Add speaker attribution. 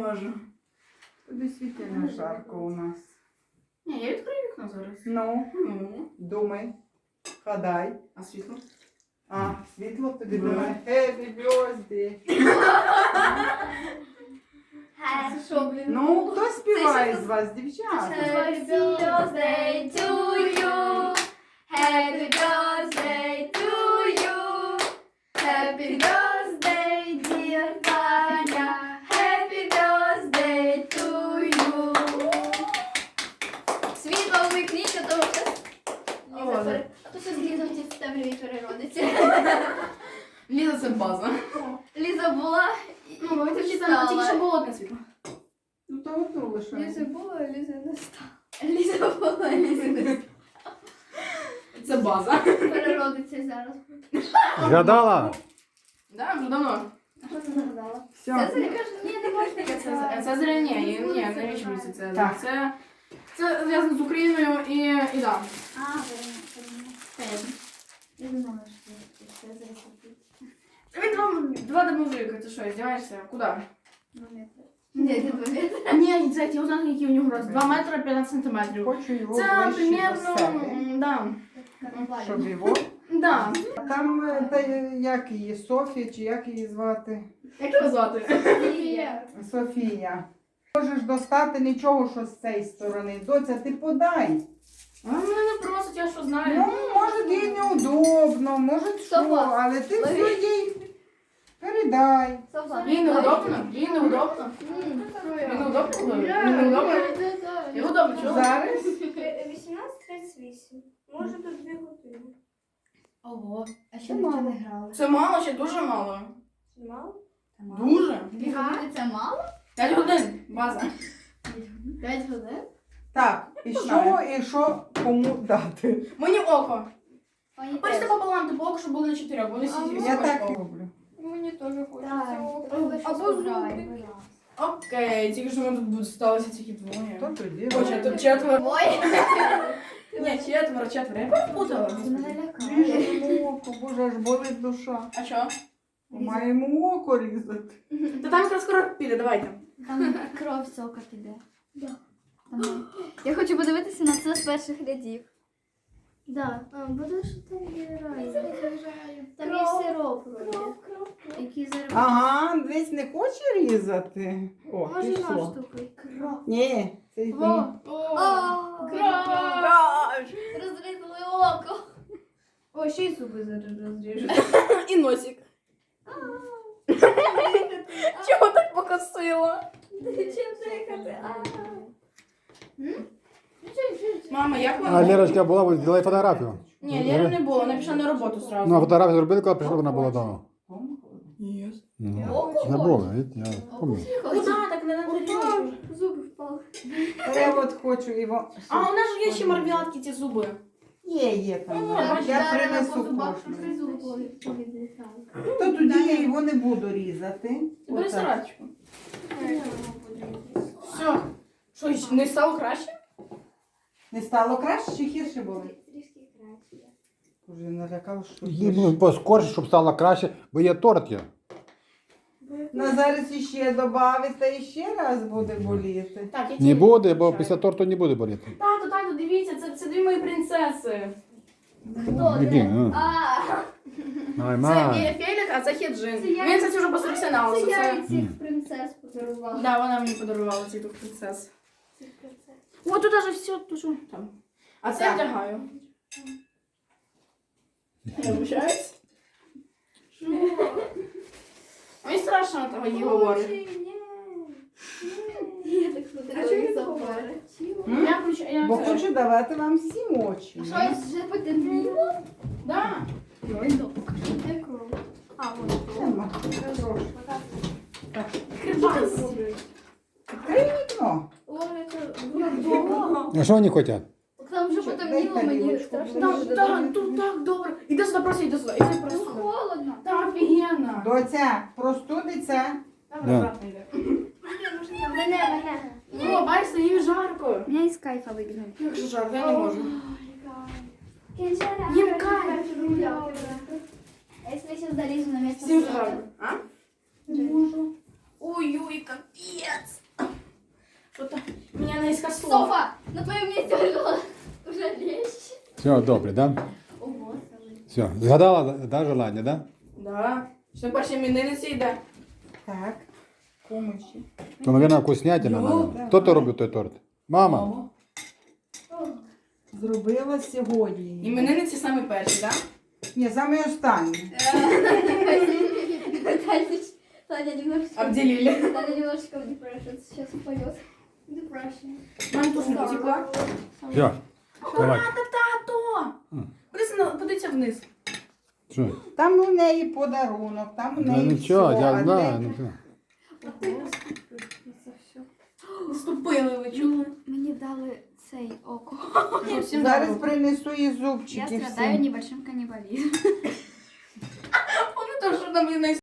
Speaker 1: можу.
Speaker 2: Тобі світильно жарко у нас.
Speaker 1: Ні, я відкрию вікно зараз.
Speaker 2: Ну,
Speaker 1: Ну.
Speaker 2: думай, гадай.
Speaker 1: А світло?
Speaker 2: А, світло тобі думає. Happy birthday.
Speaker 3: Це що, блін?
Speaker 2: Ну, хто співає з вас, дівчата?
Speaker 3: Happy birthday to you. Happy birthday to you. Happy birthday, dear Таня. Happy birthday to you. Світло вмикніть, а то щас... А то щас Ліза в темряві переродиться.
Speaker 1: Ліза, це база.
Speaker 3: Ліза була і
Speaker 1: Тільки
Speaker 3: стала.
Speaker 1: що було одне світло.
Speaker 2: Ну, то одну лише.
Speaker 3: була, а Ліза не стала. Ліза була, Ліза не стала.
Speaker 1: Це база.
Speaker 3: Переродиться зараз.
Speaker 4: Згадала?
Speaker 1: Да, вже давно.
Speaker 3: А що це згадала?
Speaker 2: Все.
Speaker 3: Це каже, ні, не можна.
Speaker 1: Це зря ні, навіщо мені це?
Speaker 2: Так.
Speaker 1: Це зв'язано з Україною і да.
Speaker 3: А, понятно. Я думала, що це зараз купить.
Speaker 1: Він вам два мужика, ти що, здіваєшся? Куди?
Speaker 3: 2 метри. Ні, не 2 метри.
Speaker 1: Ні, це я узнала, який у нього рост. 2 метри 15 сантиметрів.
Speaker 2: Хочу його
Speaker 1: Це
Speaker 2: ближче до
Speaker 1: примерно,
Speaker 2: себе,
Speaker 1: да.
Speaker 2: щоб його.
Speaker 1: Да.
Speaker 2: Там, як її, Софія, чи як її звати?
Speaker 1: Як його звати?
Speaker 2: Софія. Можеш достати нічого, що з цієї сторони. Доця, ти подай.
Speaker 1: А мене не просить, я що знаю.
Speaker 2: Ну, може, їй неудобно, може, що,
Speaker 3: Софа,
Speaker 2: але ти
Speaker 3: лови.
Speaker 2: все їй передай.
Speaker 1: Їй неудобно? Їй неудобно? Їй неудобно? Їй неудобно? Їй удобно, чого?
Speaker 2: Зараз
Speaker 5: 18:38. Може до 2 години.
Speaker 1: Ого.
Speaker 3: А ще нічого не грали.
Speaker 1: Це мало, ще дуже мало.
Speaker 5: Мало?
Speaker 1: Дуже?
Speaker 3: 2 години це мало?
Speaker 1: 5 годин, база.
Speaker 3: 5 годин?
Speaker 2: так, і що кому дати?
Speaker 1: Мені око.
Speaker 3: Мені
Speaker 1: Хочете
Speaker 3: теж.
Speaker 1: пополам, типу око, щоб було на 4, бо вони всі
Speaker 2: Я так роблю.
Speaker 5: Мені теж
Speaker 3: Так,
Speaker 5: хочеться.
Speaker 3: або зубки.
Speaker 1: Окей, тільки що ми тут сталося тільки
Speaker 2: То
Speaker 1: двоє.
Speaker 2: тоді.
Speaker 1: Хоча тут четверо.
Speaker 3: Ой,
Speaker 1: Ні, четверо. Я перепутала.
Speaker 3: це мене лякає.
Speaker 2: Ріжемо око, боже, аж болить душа.
Speaker 1: А що?
Speaker 2: Маємо око різати.
Speaker 1: Та там якраз скоро піде, давайте.
Speaker 3: Там кров з ока піде. Я хочу подивитися на це з перших рядів.
Speaker 5: Да. А, буде що там генерально.
Speaker 3: Там є сироп вроді, який зараз...
Speaker 2: Ага, десь не хоче різати. О,
Speaker 5: Може
Speaker 2: пішло.
Speaker 5: наш штукою.
Speaker 3: Кров.
Speaker 2: Ні, це ні.
Speaker 3: Розрізали око.
Speaker 5: О, ще й зуби зараз розріжу.
Speaker 1: І носик. Чого так покосила?
Speaker 3: Чим дихати?
Speaker 1: Мама, як
Speaker 4: А
Speaker 1: вона?
Speaker 4: Лерочка була, зробила фотографію.
Speaker 1: Ні, Лєри не було, вона пішла на роботу
Speaker 4: Ну, а
Speaker 1: сразу.
Speaker 4: фотографію зробили, коли прийшла, вона була вдома.
Speaker 1: Ні.
Speaker 4: Ну, не було, видите, я пам'ятаю.
Speaker 1: Куди так не надо різати?
Speaker 5: Зуби впали.
Speaker 2: Та я от хочу його.
Speaker 1: А у нас же є ще мармеладки, ці зуби.
Speaker 2: Є там.
Speaker 1: Ну,
Speaker 2: Я принесу кожну. То тоді я його не буду різати.
Speaker 1: Бери
Speaker 2: Отак.
Speaker 1: сарачку. Все. Що, ще не стало краще?
Speaker 2: Не стало краще чи гірше було?
Speaker 5: Трішки краще.
Speaker 2: Уже налякав, що
Speaker 4: Їй
Speaker 2: гірше.
Speaker 4: поскорше, щоб стало краще, бо є торт є.
Speaker 2: Ну, зараз іще додати, і ще раз буде боліти.
Speaker 1: Так, я
Speaker 4: Не буде, бо після торту не буде боліти.
Speaker 1: Тату, дивіться, це дві мої принцеси.
Speaker 3: Хто
Speaker 4: Іди,
Speaker 3: це?
Speaker 4: ну.
Speaker 3: А,
Speaker 4: Ай,
Speaker 1: Це
Speaker 4: май.
Speaker 1: Фелік, а це Хеджин.
Speaker 3: Це я-
Speaker 1: Він, кстати, вже професіонал.
Speaker 3: це я
Speaker 1: Це...
Speaker 3: і цих принцес подарувала.
Speaker 1: Да, вона мені подарувала ці тут принцес. О, тут даже все, тут що там. А це я
Speaker 2: Так.
Speaker 1: вдягаю. Я вибачаюсь. Мені страшно того їй говорить.
Speaker 3: Я так смотрела забори.
Speaker 1: Я включаю,
Speaker 2: Бо хочу давати вам всім очі.
Speaker 3: Щось вже потемніло?
Speaker 1: Да.
Speaker 3: Де кров?
Speaker 5: А, вот.
Speaker 2: Нема. Трошки.
Speaker 1: Крибас.
Speaker 2: Відкрий вікно.
Speaker 5: Ой, це вдома.
Speaker 4: А що вони хочуть?
Speaker 3: Там вже потемніло, мені
Speaker 2: тарілочку.
Speaker 3: страшно.
Speaker 1: Так,
Speaker 3: вже
Speaker 1: так,
Speaker 3: дуже.
Speaker 1: тут так добре. Іди сюди, просто іди сюди. Іди
Speaker 3: Ну,
Speaker 1: просто сюди.
Speaker 3: холодно.
Speaker 1: Так, офігенно.
Speaker 2: Доця, простудиться.
Speaker 1: Давай,
Speaker 4: Да.
Speaker 1: обратно йди.
Speaker 5: Мене.
Speaker 1: О, бачите, їй жарко.
Speaker 3: Мене із кайфа вибігає.
Speaker 1: Як же жарко, я не можу.
Speaker 3: Їм кайф. А якщо я зараз залізу на місце?
Speaker 1: Всім жарко. А? Не можу. Ой-ой, капець. несколько слов.
Speaker 3: Софа, на твоєму місці вже лещ.
Speaker 4: Все, добре, да?
Speaker 3: Ого,
Speaker 4: Все. Згадала, да, желання, да?
Speaker 1: Да. Що перші іменинниці йде?
Speaker 2: Так. Помощі.
Speaker 4: То, мабуть, вкуснятина.
Speaker 1: Ну,
Speaker 4: наверно. Хто то робив той торт? Мама.
Speaker 1: Ого.
Speaker 2: Зробила сьогодні.
Speaker 1: Іменинниці самі перші, так?
Speaker 2: Ні, саме останні.
Speaker 3: Таня немножечко...
Speaker 1: Обделили.
Speaker 3: Таня немножечко в depression. Сейчас упадет. Depression.
Speaker 1: Мам, туш не потекла.
Speaker 4: Все. Давай.
Speaker 1: Тато! Подивіться вниз.
Speaker 4: Що?
Speaker 2: Там у неї подарунок, там у
Speaker 4: Ну,
Speaker 2: неї
Speaker 4: нічого,
Speaker 2: все,
Speaker 4: я
Speaker 2: а
Speaker 4: знаю.
Speaker 2: де-
Speaker 4: Ну, все.
Speaker 1: Наступили, ви чули?
Speaker 3: Мені дали цей око.
Speaker 1: Всім
Speaker 2: Зараз
Speaker 1: добре.
Speaker 2: принесу і
Speaker 3: Я
Speaker 2: зубчики
Speaker 3: страдаю
Speaker 2: всім.
Speaker 3: небольшим каннибализмом.
Speaker 1: Вони теж, що там є